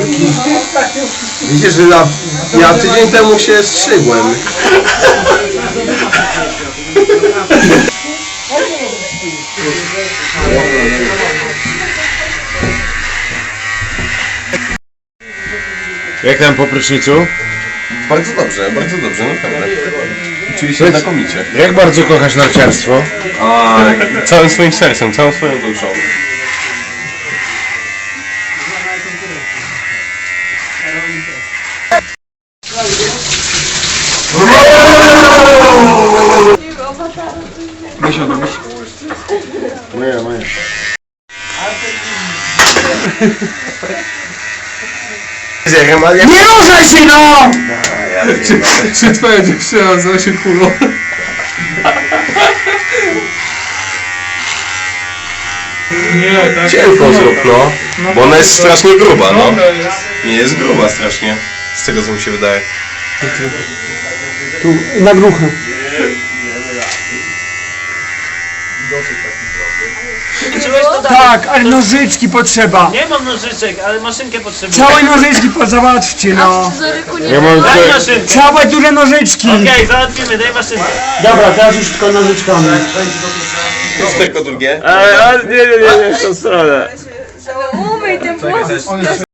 taki. Widzisz, że ja tydzień temu się strzygłem. Jak tam po prysznicu? Bardzo dobrze, naprawdę. Czuję się znakomicie. Jak bardzo kochasz narciarstwo? Całym swoim sercem, całą swoją duszą. Moja. Nie ruszaj się, no! Czy twoja dziewczyna nazywa się Kulą? Cienko zrób, no. Bo ona jest strasznie gruba, no. Nie, jest gruba strasznie. Z tego co mi się wydaje. Tu, na gruchę. Tak, ale nożyczki potrzeba. Nie mam nożyczek, ale maszynkę potrzebuję. Całe nożyczki załatwcie, no. Ja mam Daj tutaj... maszynkę! Całe duże nożyczki. Okej, załatwimy, daj maszynkę. Dobra, teraz już tylko nożyczkami. Tylko drugie. Nie, w tą stronę. Umyj ten włos.